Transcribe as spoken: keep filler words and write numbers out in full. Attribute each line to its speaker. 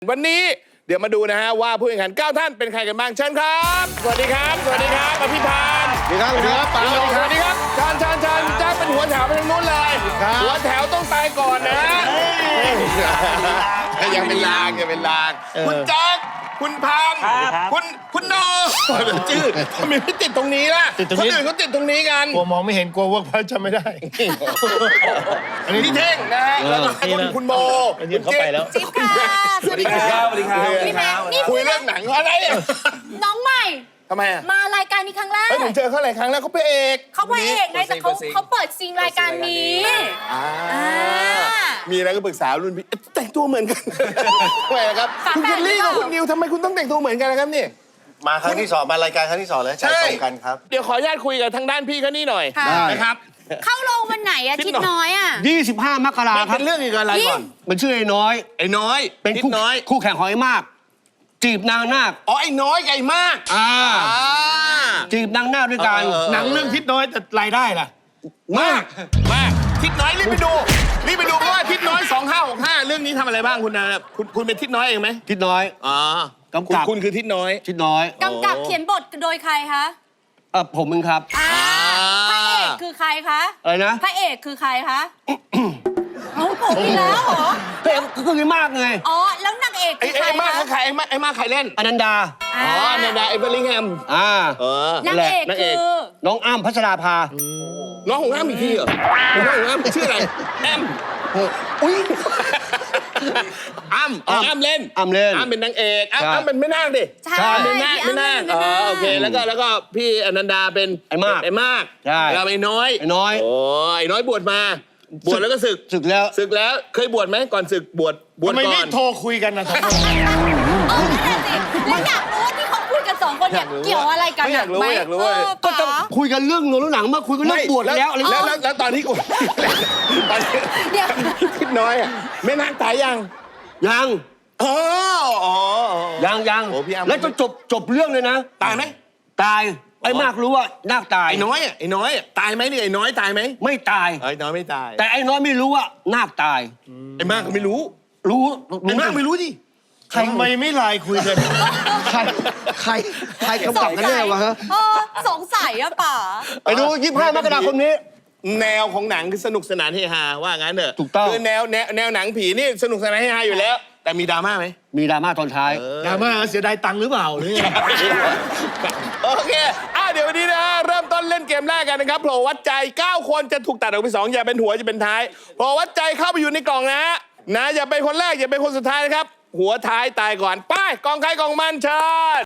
Speaker 1: วันนี้เดี๋ยวมาดูนะฮะว่าผู้แข่งขันเก้าท่านเป็นใครกันบ้างเชิญครับสวัสดีครับสวัสดีครับอภิพาน
Speaker 2: สวัสดีครับสวัสดีครับป๋า
Speaker 1: สวัสดีครับชานชานชานแจ็คเป็นหัวแถวไปทางนู้นเลยหัวแถวต้องตายก่อนนะยังเป็นลางยังเป็นลางคุณแจ็คคุณพันคุณคุณโนจืดทำไมไม่ติดตรงนี้ล่ะคนอื่นเขาติดตรงนี้กัน
Speaker 2: กลัวมองไม่เห็นกลัวเวิร์กพอยต์จำไม่ได้
Speaker 1: อันนี้พี่เท่งนะฮะแล้วก็คุณคุณโม
Speaker 2: ยืนเข้าไปแล้ว
Speaker 3: จิ๊บค่ะสวัสดีค่ะ
Speaker 1: สวัสดีครับ
Speaker 3: พี่แม็กนี่
Speaker 1: คุยเรื่องหนังอะไรอ่ะ
Speaker 3: น้องใหม่
Speaker 1: ทำไมอ่ะ
Speaker 3: มารายการนี้ครั้งแรก
Speaker 1: เฮ้ยผมเจอเขาหลายครั้งแล้วเขาเป็นเอก
Speaker 3: เขาพระเอกไงแต่เขาเขาเปิดซิงรายการนี้
Speaker 1: อ่า
Speaker 3: อ่า
Speaker 1: มีอะไรก็ปรึกษารุ่นพี่แต่งตัวเหมือนกันทำไมครับ
Speaker 3: ฝา
Speaker 1: คุณ
Speaker 3: แฝ
Speaker 1: เค
Speaker 3: ด
Speaker 1: ลลี่
Speaker 3: หรื
Speaker 1: กับ
Speaker 3: อเปล่า
Speaker 1: คุณนิวทำไมคุณต้องแต่งตัวเหมือนกันนะครับเนี่ย
Speaker 2: มาครั้งที่สองมารายการครั้งที่สองแล้วใจตรงกันครับ
Speaker 1: เดี๋ยวขออนุญาตคุยกับทางด้านพี่เขานี่หน่อย
Speaker 3: ค่ะ
Speaker 1: นะครับ
Speaker 3: เข้าโรงวันไหนอะ
Speaker 1: ทิ
Speaker 3: ทิ
Speaker 1: ศ
Speaker 3: ศ
Speaker 1: น้
Speaker 3: น้
Speaker 1: อ
Speaker 3: อย ยอะ
Speaker 4: ยี่สิบห้ามกรา
Speaker 1: มัน
Speaker 4: ครั
Speaker 1: เป็
Speaker 4: บ
Speaker 1: นเรื่องเกี่ยวกับอะไรก่อน
Speaker 4: มันชื่อไอ้น้อย
Speaker 1: ไอ้น้อย
Speaker 4: เป็น
Speaker 1: ทิศ
Speaker 4: คู่
Speaker 1: น้อย
Speaker 4: คู่แข่งของไอ้มาก จีบนางนาค
Speaker 1: อ๋อไอ้น้อยไก่มาก
Speaker 4: อ่า
Speaker 1: อ่า
Speaker 4: จีบนางนาคด้วยกัน
Speaker 1: เออเออ
Speaker 2: หนังเรื่องทิศน้อยแต่รายได้ล่ะ
Speaker 1: มากมากทิศน้อยรีบไปดูรีบไปดูเพราะว่าทิศน้อยสองห้าหกห้าเรื่องนี้ทำอะไรบ้างคุณนะคุณคุณเป็นทิศน้อยเองไหม
Speaker 4: ทิดน้อย
Speaker 1: อ๋อก
Speaker 4: ำกับ
Speaker 1: คุณคือทิศน้อย
Speaker 4: ทิดน้อย
Speaker 3: กำกับเขียนบทโดยใครคะ
Speaker 4: เออผมเองครับ
Speaker 3: อ่าพระเอกคือใครคะ
Speaker 4: อะไรนะ
Speaker 3: พระเอกคือใครคะเอาผมอีกแล้วเหรอ
Speaker 4: เฮ้ยก็คือไอ้มากไง
Speaker 3: อ๋อแล้วนางเอก
Speaker 1: ไอ้
Speaker 3: คือใคร
Speaker 1: ไอ้มาก
Speaker 3: คะ
Speaker 1: ใครไอ้มากไอ้มากใครเล่น
Speaker 4: อนันดา
Speaker 1: อ๋อเนดาเอเวอร์ลิงแฮม
Speaker 4: อ่า
Speaker 1: เออ
Speaker 3: นางเอก
Speaker 1: นางเอก
Speaker 3: คือ
Speaker 4: น้องอ้ำพัชราภา
Speaker 1: น้องของอ้ำอีกทีเหรอน้องของอ้ำชื่ออะไรแอม
Speaker 4: อุ้ย
Speaker 1: อ้ำอ๋ออ้ำเล่น
Speaker 4: อ้ำเล่น
Speaker 1: อ้ำเป็นนางเอกอ้ำ
Speaker 4: ใช่
Speaker 1: อ้ำเป็นแม่นาคดิ
Speaker 3: ใช่
Speaker 4: ใช่
Speaker 1: เป็นนาค
Speaker 3: พี่
Speaker 1: แม่
Speaker 3: อ้ำ
Speaker 1: นาค
Speaker 3: เป็น
Speaker 1: อ๋อ
Speaker 3: แม่นาค
Speaker 1: โอเคแล้วก็แล้วก็พี่อนันดาเป็น
Speaker 4: ไอ้มาก
Speaker 1: ไอ้มาก
Speaker 4: ใช่
Speaker 1: เราไอ้น้อย
Speaker 4: ไอ้น้อย
Speaker 1: โอ้ไอ้น้อยบวชมา บวชแล้วก็ศึก
Speaker 4: ศึกแล้ว
Speaker 1: ศึกแล้วเคยบวชไหมก่อนศึกบวชบวช
Speaker 2: ทำไม
Speaker 1: ก่อ
Speaker 2: ไม่
Speaker 1: น
Speaker 2: โทรคุยกันนะสองคน
Speaker 3: เออนั่นแหละสิแล้วอยากรู้ว่าที่เขาคุยกันสองคนเนี่ยเกี่ยวอะไรกัน
Speaker 1: ไม่อยากรู้
Speaker 3: ไหม
Speaker 1: ไม่อยากรู้
Speaker 3: เออ
Speaker 4: ก็จะ
Speaker 3: ป๋า
Speaker 4: คุยกันเรื่องโน้นหนังมาคุยกันเรื่องบวชแล้วอะไร
Speaker 1: แล้
Speaker 4: เงี้
Speaker 1: วย แล้วแล้วตอนที่กูตอนที่
Speaker 3: เดี๋ยว
Speaker 1: ทิศน้อยอ่ะแม่นาคตายยัง
Speaker 4: ยัง
Speaker 1: อ๋ออ๋อ
Speaker 4: ยังยัง
Speaker 1: โอ้พี่อ้ำ
Speaker 4: แล้วจนจบจบเรื่องเลยนะ
Speaker 1: ตายไหม
Speaker 4: ตายไอ้มากรู้ว่านาคตาย
Speaker 1: ไอ้น้อยอ่ะไอ้น้อยอ่ะตายไหมเนี่ยไอ้น้อยตายไหม
Speaker 4: ไม่ตาย
Speaker 1: ไอ้น้อยไม่ตาย
Speaker 4: แต่ไอ้น้อยไม่รู้ว่านาคตาย
Speaker 1: ไอ้มากก็ไม่รู้
Speaker 4: รู้
Speaker 1: ไอ้มากไม่รู้ดิ
Speaker 2: ทำไมไม่ไลน์คุยกัน
Speaker 4: ใครใครใครกำกับกันแน่วะฮะ
Speaker 3: เออสงสัยอะป๋า
Speaker 4: ไปดูยี่สิบห้ามกราคมนี้
Speaker 1: แนวของหนังคือสนุกสนานเฮฮาว่างั้นเถอะ
Speaker 4: ถูกต้อง
Speaker 1: คือแนวแนวแนวหนังผีนี่สนุกสนานเฮฮาอยู่แล้ว แต่มีดราม่าไหม
Speaker 4: มีดราม่าตอนท้าย
Speaker 2: ดราม่าเสียดายตังค์หรือเปล่าหรือไง
Speaker 1: โอเคอ่ะเดี๋ยววันนี้นะเริ่มต้นเล่นเกมแรกกันนะครับโผล่วัดใจเก้าคนจะถูกตัดออกเป็นสองอย่าเป็นหัวจะเป็นท้ายโผล่วัดใจเข้าไปอยู่ในกล่องนะนะอย่าเป็นคนแรกอย่าเป็นคนสุดท้ายนะครับหัวท้ายตายก่อนไปกองใครกองมันเชิญ